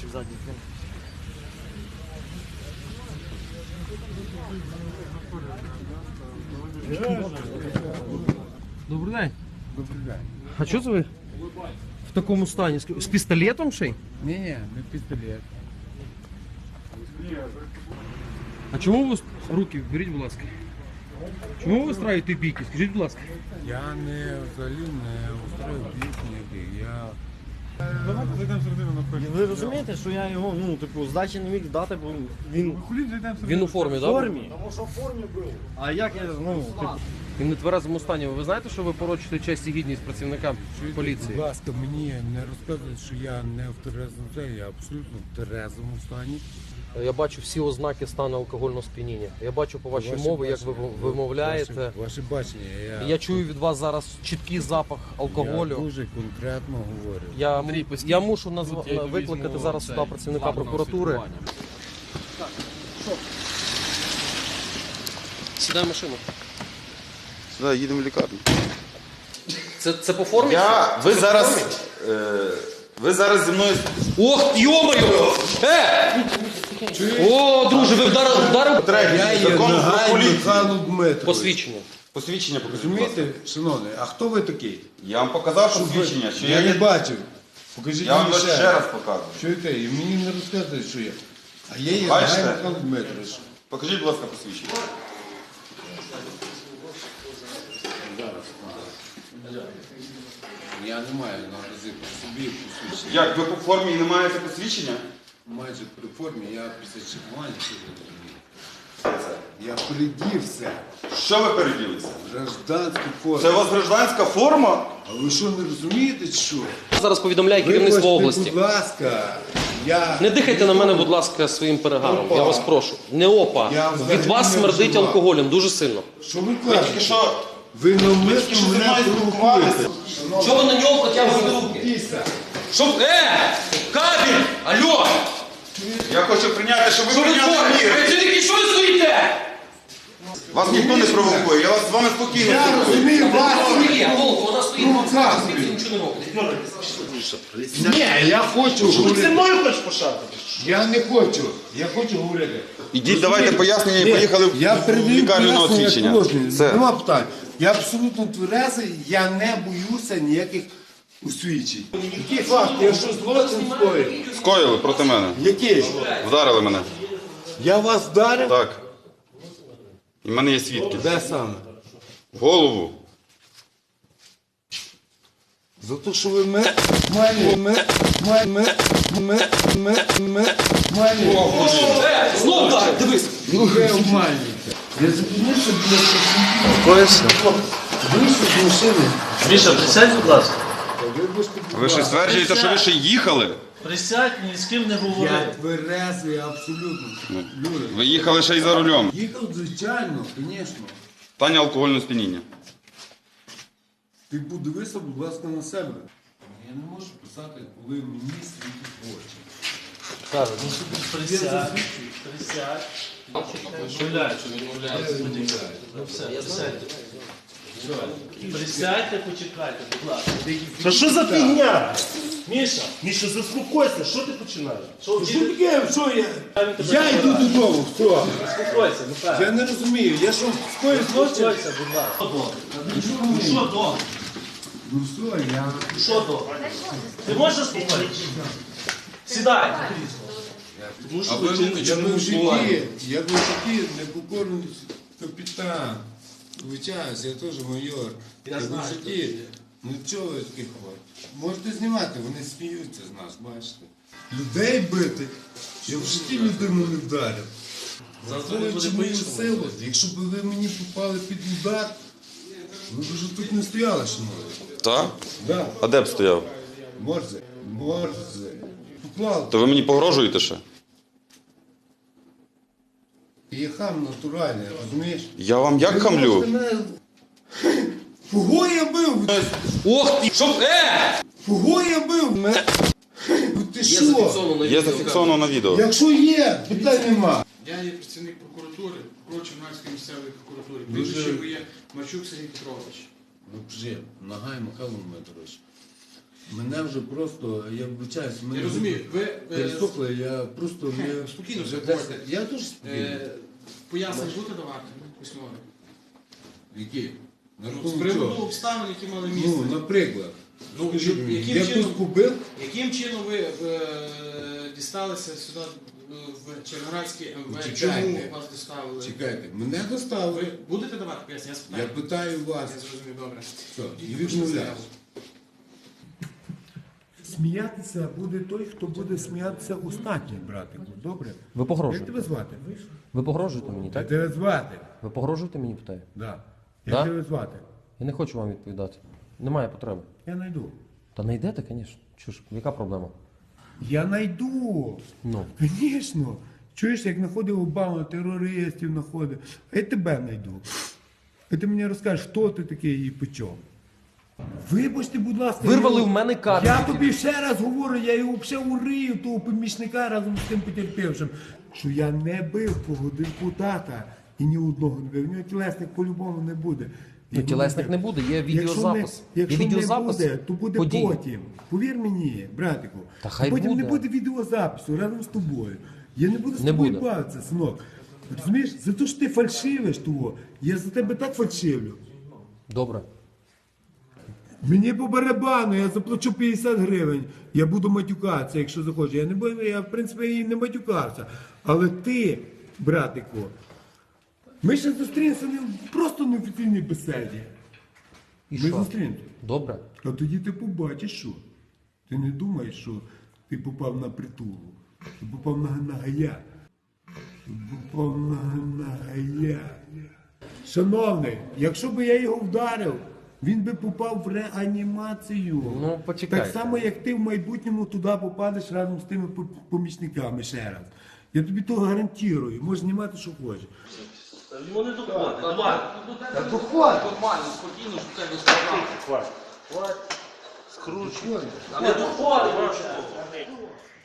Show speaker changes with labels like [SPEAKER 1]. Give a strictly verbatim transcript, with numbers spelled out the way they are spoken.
[SPEAKER 1] ззаді. Добрий день.
[SPEAKER 2] Добрий день.
[SPEAKER 1] А що це ви в такому стані? З пістолетом ще й?
[SPEAKER 2] Ні, ні, не пістолет.
[SPEAKER 1] А чому ви руки, беріть, будь ласка. Чому ви устраюєте бійки? Скажіть, будь ласка.
[SPEAKER 2] Я не взагалі не устрою бійок ніяких. Я...
[SPEAKER 3] Давайте зайдемо всередину на перший.
[SPEAKER 1] Ви розумієте, що я його, ну, типу, здачі не міг дати, бо він
[SPEAKER 3] Хулін зайдемо всередину.
[SPEAKER 1] Він у формі,
[SPEAKER 3] В
[SPEAKER 1] так?
[SPEAKER 3] формі.
[SPEAKER 1] Тому що в формі був. А як я, ну, типу, він в нетверезому стані. Ви знаєте, що ви порочите честь і гідність працівникам
[SPEAKER 2] Чуєте,
[SPEAKER 1] поліції?
[SPEAKER 2] Будь ласка, мені не розказують, що я не в терезому стані, я абсолютно в терезому стані.
[SPEAKER 1] Я бачу всі ознаки стану алкогольного сп'яніння. Я бачу по вашій
[SPEAKER 2] Ваше
[SPEAKER 1] мові, як ви
[SPEAKER 2] бачення,
[SPEAKER 1] вимовляєте.
[SPEAKER 2] Ваше, ваше бачення. Я,
[SPEAKER 1] Я чую від вас зараз чіткий запах
[SPEAKER 2] я
[SPEAKER 1] алкоголю.
[SPEAKER 2] дуже конкретно говорю.
[SPEAKER 1] Я, я мушу назва... викликати зараз сюди працівника прокуратури. Сідай в машину.
[SPEAKER 4] Сюди їдемо в лікарню.
[SPEAKER 1] Це, це по формі?
[SPEAKER 4] Я, ви зараз, е, ви зараз зі мною...
[SPEAKER 1] Ох, йомаю! Е! О, друже, ви вдарили, вдарили
[SPEAKER 2] Я є
[SPEAKER 4] Закон про
[SPEAKER 2] Нагай
[SPEAKER 4] поліцію.
[SPEAKER 2] Михайло Дмитрович.
[SPEAKER 1] посвідчення.
[SPEAKER 4] Посвідчення покажіть, будь ласка.
[SPEAKER 2] Розумієте, шановний, а хто ви такий?
[SPEAKER 4] Я вам показав посвідчення, що я
[SPEAKER 2] Я не
[SPEAKER 4] є...
[SPEAKER 2] бачив. Покажіть
[SPEAKER 4] Я вам
[SPEAKER 2] мені
[SPEAKER 4] ще раз показую.
[SPEAKER 2] Чуєте, і мені не розказують, що я. А я є
[SPEAKER 4] Бачите?
[SPEAKER 2] Нагай Михайло Дмитрович.
[SPEAKER 4] Покажіть, будь ласка, посвідчення.
[SPEAKER 2] Я не маю наразі при собі посвідчення.
[SPEAKER 4] Як, ви по формі і не маєте посвідчення?
[SPEAKER 2] Майже при формі, я після чекування сьогодні. Я придівся.
[SPEAKER 4] Що ви переділися?
[SPEAKER 2] Гражданську форму.
[SPEAKER 4] Це у вас гражданська форма?
[SPEAKER 2] А ви що, не розумієте, чи що?
[SPEAKER 1] Зараз повідомляє керівництво
[SPEAKER 2] Вибачте,
[SPEAKER 1] області.
[SPEAKER 2] будь ласка, я...
[SPEAKER 1] Не дихайте на мене, будь ласка, своїм перегаром. Я вас прошу. Не опа.
[SPEAKER 2] Я взагалі
[SPEAKER 1] Від вас
[SPEAKER 2] не
[SPEAKER 1] смердить
[SPEAKER 2] вживав.
[SPEAKER 1] алкоголем дуже сильно.
[SPEAKER 2] Що ви
[SPEAKER 4] Ви тільки
[SPEAKER 2] кажете?
[SPEAKER 4] що...
[SPEAKER 2] Ви
[SPEAKER 4] тільки
[SPEAKER 2] навмисно
[SPEAKER 4] що зі
[SPEAKER 2] мене
[SPEAKER 4] мною
[SPEAKER 2] провокуєте.
[SPEAKER 4] спілкувалися.
[SPEAKER 1] Що ви на нього протягуєте руки?
[SPEAKER 2] Піса.
[SPEAKER 1] Що? Е! Кабель! Алло!
[SPEAKER 4] Я хочу прийняти, щоб ви
[SPEAKER 1] Що ви
[SPEAKER 4] прийняли
[SPEAKER 1] творите?
[SPEAKER 4] міри.
[SPEAKER 1] Працівники, що ви стоїте?
[SPEAKER 4] Вас ніхто не провокує, я вас з вами спокійно
[SPEAKER 2] Я
[SPEAKER 4] спілкуюся.
[SPEAKER 2] розумію вас.
[SPEAKER 1] Ні, Волк, вона стоїть,
[SPEAKER 2] Ну,
[SPEAKER 1] вам
[SPEAKER 2] так.
[SPEAKER 1] світі нічого не робить.
[SPEAKER 2] Ні, я хочу
[SPEAKER 3] Ти
[SPEAKER 2] говорити.
[SPEAKER 3] мною хочеш пошати?
[SPEAKER 2] Я не хочу. Я хочу говорити.
[SPEAKER 4] Ідіть, давайте пояснення і поїхали в
[SPEAKER 2] Я передаю
[SPEAKER 4] лікарню на
[SPEAKER 2] пояснення
[SPEAKER 4] освідчення.
[SPEAKER 2] положення.
[SPEAKER 4] Все.
[SPEAKER 2] Нема питань. Я абсолютно тверезий, я не боюся ніяких освідчень. Який факт? Я що злочин скоїв?
[SPEAKER 4] Скоїли проти мене.
[SPEAKER 2] Який?
[SPEAKER 4] Вдарили мене.
[SPEAKER 2] Я вас вдарив?
[SPEAKER 4] Так. І в мене є свідки.
[SPEAKER 2] Де саме?
[SPEAKER 4] В голову.
[SPEAKER 2] За те, що ви ме... Малі... Ме... Ме... Ме... Ме... Ме... Ме... Малі...
[SPEAKER 1] Е, знов так, дивись.
[SPEAKER 2] Ви обманюєте. Я зупинився біля працівників. Вийшов з машини.
[SPEAKER 5] Міша, присядь, будь ласка.
[SPEAKER 2] Вибачте, будь
[SPEAKER 4] Ви ще
[SPEAKER 2] ласка.
[SPEAKER 4] стверджуєте, що ви ще їхали?
[SPEAKER 5] Присядь, ні з ким не
[SPEAKER 2] Я
[SPEAKER 5] говори.
[SPEAKER 2] тверезий абсолютно. Люди.
[SPEAKER 4] Ви їхали ще й за рулем.
[SPEAKER 2] Їхав, звичайно, звісно.
[SPEAKER 4] Стані алкогольного сп'яніння.
[SPEAKER 2] Ти подивися, будь ласка, на себе. Я не можу писати, коли мені світить в очі.
[SPEAKER 5] Присядь, присядь. Відмовляю, що відмовляю. Ну все, присядьте. Присядьте, почекайте, будь ласка.
[SPEAKER 3] Та що за фігня? Міша, Міша, заспокойся, що ти починаєш?
[SPEAKER 5] Що,
[SPEAKER 2] Що таке? Що я?
[SPEAKER 5] він тебе
[SPEAKER 2] Я йду додому, все.
[SPEAKER 5] Заспокойся, Михайло.
[SPEAKER 2] Я не розумію, я що, скоїв злочин?
[SPEAKER 5] Заспокойся, будь ласка. Ну що добре?
[SPEAKER 2] Ну все, я...
[SPEAKER 5] Що добре? Ти можеш заспокоїтися? Сідай на крісло. Тому що ви чините
[SPEAKER 2] Я
[SPEAKER 5] чинну
[SPEAKER 2] був в
[SPEAKER 5] впливання.
[SPEAKER 2] житті, я був в житті непокорний капітан. Вичаюсь, я теж майор. Я був в
[SPEAKER 5] знаю,
[SPEAKER 2] житті. Ну чого ви таких ходите? Можете знімати, вони сміються з нас, бачите. Людей бити, я в житті людину не вдарив. Враховуючи мою силу, якщо б ви мені попали під удар, ви б вже тут не стояли, шановні.
[SPEAKER 4] Так?
[SPEAKER 2] Да.
[SPEAKER 4] А де б стояв?
[SPEAKER 2] Морзе, морзе. Поклали.
[SPEAKER 4] То ви мені погрожуєте ще?
[SPEAKER 2] Я хам натуральний, розумієш?
[SPEAKER 4] Я вам як хамлю?
[SPEAKER 2] Кого я бив?
[SPEAKER 1] Ох ти, що? Е!
[SPEAKER 2] Кого я бив? Ме- Ну ти
[SPEAKER 1] Є
[SPEAKER 2] що?
[SPEAKER 1] зафіксовано на
[SPEAKER 4] Є
[SPEAKER 1] відео.
[SPEAKER 4] зафіксовано на відео.
[SPEAKER 2] Якщо є, питань нема.
[SPEAKER 6] Я є працівник прокуратури, прокурор Чернівецької місцевої прокуратури. Прізвище моє Марчук Сергій Петрович.
[SPEAKER 2] Ну вже, Нагай Михайло Дмитрович. Мене вже просто, я вибачаюсь, мене
[SPEAKER 6] Я розумію, ви е,
[SPEAKER 2] пересохло, я просто не...
[SPEAKER 6] спокійно
[SPEAKER 2] вже
[SPEAKER 6] все
[SPEAKER 2] десь-
[SPEAKER 6] говорите.
[SPEAKER 2] Я дуже спокійно.
[SPEAKER 6] е, пояснення будете давати письмові?
[SPEAKER 2] Які? На
[SPEAKER 6] З
[SPEAKER 2] рахунок
[SPEAKER 6] приводу
[SPEAKER 2] чого?
[SPEAKER 6] обставин, які мали місце.
[SPEAKER 2] Ну, наприклад.
[SPEAKER 6] Ну,
[SPEAKER 2] Скажіть мені,
[SPEAKER 6] яким
[SPEAKER 2] я
[SPEAKER 6] чином-
[SPEAKER 2] хтось побив?
[SPEAKER 6] Яким чином ви е, дісталися сюди е, в Червоноградський ем ве?
[SPEAKER 2] Чекайте.
[SPEAKER 6] Чому вас доставили?
[SPEAKER 2] Чекайте, мене доставили.
[SPEAKER 6] Ви будете давати пояснення? Я
[SPEAKER 2] Я
[SPEAKER 6] спитаю.
[SPEAKER 2] питаю
[SPEAKER 6] Я
[SPEAKER 2] вас.
[SPEAKER 6] зрозумів, добре.
[SPEAKER 2] Все, і
[SPEAKER 6] Йдіть, пишіть
[SPEAKER 2] відмовляю.
[SPEAKER 6] заяву.
[SPEAKER 7] Сміятися буде той, хто буде сміятися останній, братику. Добре?
[SPEAKER 1] Ви
[SPEAKER 7] Як
[SPEAKER 1] погрожуєте?
[SPEAKER 7] тебе звати?
[SPEAKER 1] Ви погрожуєте мені,
[SPEAKER 7] Як
[SPEAKER 1] так?
[SPEAKER 7] тебе звати?
[SPEAKER 1] Ви погрожуєте мені, питаю?
[SPEAKER 7] Да. Як
[SPEAKER 1] Да?
[SPEAKER 7] тебе звати?
[SPEAKER 1] Я не хочу вам відповідати. Немає потреби.
[SPEAKER 7] Я найду.
[SPEAKER 1] Та не йдете, звісно. Чуж, яка проблема?
[SPEAKER 7] Я найду.
[SPEAKER 1] Ну.
[SPEAKER 7] Звісно. Чуєш, як знаходив Обаму, терористів знаходив. А я тебе найду. І ти мені розкажеш, хто ти такий і по чому. Вибачте, будь ласка.
[SPEAKER 1] Вирвали
[SPEAKER 7] я-
[SPEAKER 1] в мене картки.
[SPEAKER 7] Я тобі ще раз говорю, я його взагалі урию, того помічника разом з тим потерпівшим, що я не бив того депутата і ні одного не бив. У нього тілесних по-любому не буде.
[SPEAKER 1] Ну,
[SPEAKER 7] Його
[SPEAKER 1] тілесних
[SPEAKER 7] бив.
[SPEAKER 1] не буде, є
[SPEAKER 7] Якщо
[SPEAKER 1] відеозапис.
[SPEAKER 7] не, якщо
[SPEAKER 1] Є відеозапис
[SPEAKER 7] не буде, то буде
[SPEAKER 1] подій.
[SPEAKER 7] потім. Повір мені, братику.
[SPEAKER 1] Та хай
[SPEAKER 7] потім
[SPEAKER 1] буде.
[SPEAKER 7] не буде відеозапису разом з тобою. Я не буду з
[SPEAKER 1] Не
[SPEAKER 7] тобою
[SPEAKER 1] буде.
[SPEAKER 7] бавитися, синок. Розумієш, за те, що ти фальшивиш того, я за тебе так фальшивлю.
[SPEAKER 1] Добре.
[SPEAKER 7] Мені по барабану, я заплачу п'ятдесят гривень, я буду матюкатися, якщо захочу. Я не бою, я в принципі і не матюкався. Але ти, братику, ми ще зустрінемося не просто в неофіційній беседі.
[SPEAKER 1] І
[SPEAKER 7] Ми
[SPEAKER 1] що?
[SPEAKER 7] зустрінемося.
[SPEAKER 1] Добре.
[SPEAKER 7] А тоді ти побачиш, що. Ти не думаєш, що ти попав на притулу. Ти попав на, на гая. Ти попав на, на гая. Шановний, якщо б я його вдарив, він би попав в реанімацію.
[SPEAKER 1] Ну, почекайте.
[SPEAKER 7] Так само, як ти в майбутньому туди попадеш разом з тими по- помічниками ще раз. Я тобі того гарантую. Можеш знімати, що хочеш.
[SPEAKER 5] Йому не доходить. Давай.
[SPEAKER 7] Та доходь!
[SPEAKER 5] Нормально, спокійно, що тебе сказав. Скручуй. Не доходить.